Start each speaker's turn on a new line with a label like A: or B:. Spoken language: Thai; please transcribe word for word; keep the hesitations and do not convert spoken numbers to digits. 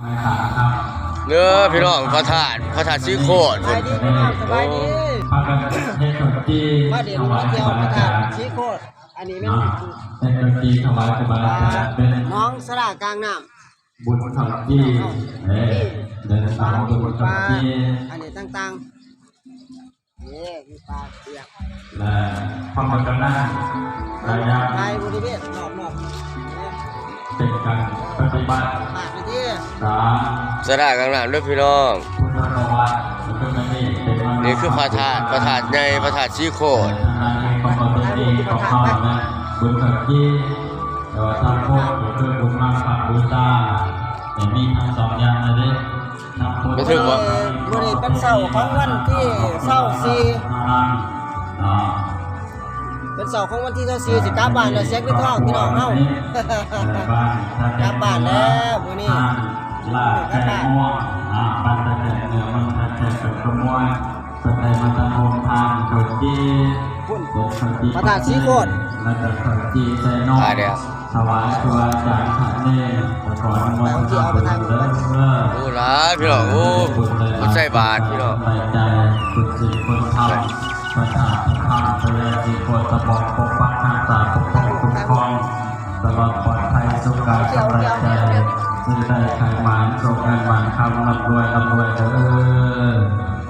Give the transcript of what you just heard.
A: เนื้อพี่น้องพระธาตุพระธาตุสีโคตร
B: สบายดีพี่น้องสบายดีมาเดี๋ยวมาเที่ยวพระธาตุสีโคตรอันนี้เป็นน้องสระกลางน้ำ
C: บุญทำที่เดินทางบุญทำที่
B: อันนี้ต่างๆนี่มีปลาเปียก
C: และพระมกนาระยะ
B: ไทยบริเวณรอบๆ
C: เป็นการปฏิบัติ
B: ปากนี่ที่
C: สาม
A: สระกลางน้ำด้วยพี่น้อง
C: พุทธนวัตเป็น
A: นี่คือพระธาตุพระธาตุในพระธาตุสีโคตร
C: ของปฏิบัติของเขาและบุญทำที่แต่ว่าทำโคตรคือบุญมาฝักบูชาแต่มีทั้งสองอย่างนะดิทั้งพุทธ
A: ไม่ถึงวะ
B: บริเวณเป็นเสาของวันที่เสาสี่เป็นเสาของวันที่เสาสี่สิกลับบ้านแล้วเช็คด้วยท้องพี่น้องเฮากลับบ้านแล้วมื้อนี้
C: ลาแก่ม่วงอ่าปัตตะเกียเนื้อมันตะเกียเป็นขโมยสเตยมันตะโฮมทางโดดจี
B: พุ่น
C: โดดจี
B: พระธาตุสีโคตร
C: แล้วก็โดดจีเซโนถวายตัวจากขันเน่ขออนุโมทนาบุญเลิศเลิศ
A: โอ้ล่ะพี่น้องโอ้มันใส่บาตรพี่น้อง
C: ไปใจคุณสิคุณธรรมประสาทธรรมเจริญสิโคตรบอกปกปักรักษาปกป้องคุ้มครองตลอดปลอดภัยสุขกายสบายใจซื้อได้ขายหมานโชคเงินหมานคำร่ำรวยร่ำรวยเด้อ